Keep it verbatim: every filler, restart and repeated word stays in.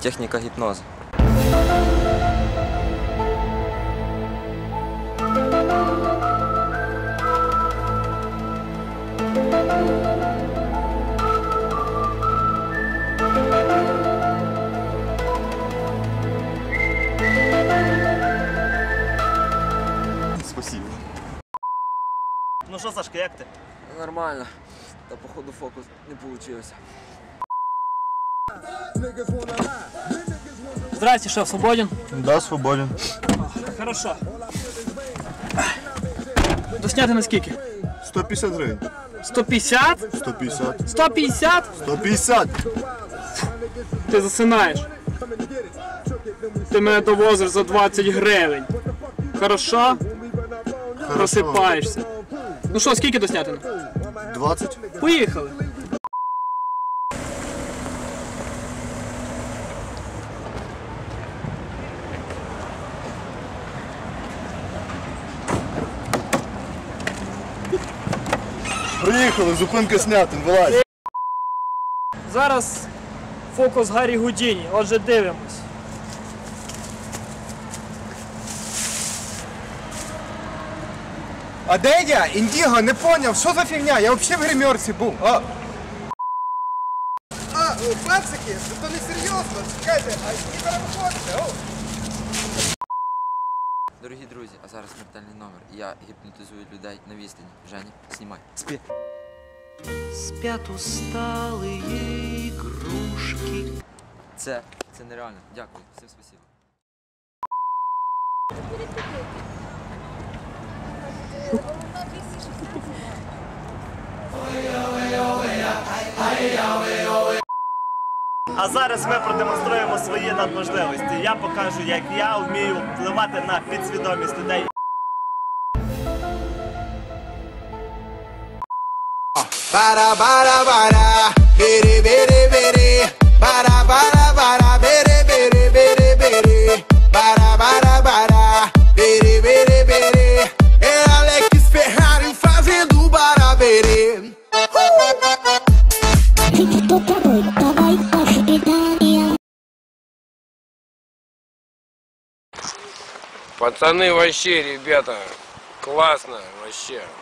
Техніка гіпнозу. Спасибо. Ну що, Сашка, як ти? Нормально. Та походу фокус не вийшло. Здрасте, шеф, свободен? Да, свободен. Хорошо. Досняти на скільки? сто п'ятдесят гривень. сто п'ятдесят? сто п'ятдесят. сто п'ятдесят? сто п'ятдесят. Ти засинаєш. Ти мене довозиш за двадцять гривень. Хорошо? Просипаєшся. Ну що, скільки доснятина? двадцять. Поїхали. Приїхали, зупинка снята, вилазь. Зараз фокус Гаррі Гудіні. Отже, дивимось. А де я? Індіго, не поняв, що за фігня? Я взагалі в гримерці був. А, а о, пацики, це не серйозно. Чекайте, а не перевиходите, о. Дорогі друзі, а зараз смертельний номер. Я гіпнотизую людей на відстані. Женя, знімай. Спи. Спят усталые игрушки. Це, це нереально. Дякую. Всім спасибо. А зараз ми продемонструємо свої надможливості. Я покажу, як я вмію впливати на підсвідомість людей. Bara bara bara, bere bere bere, bara bara bara, bere bere bere bere, bara bara bara, bere bere bere. É Alex Ferrari fazendo bara bere. Пацаны, вообще, ребята, классно, вообще.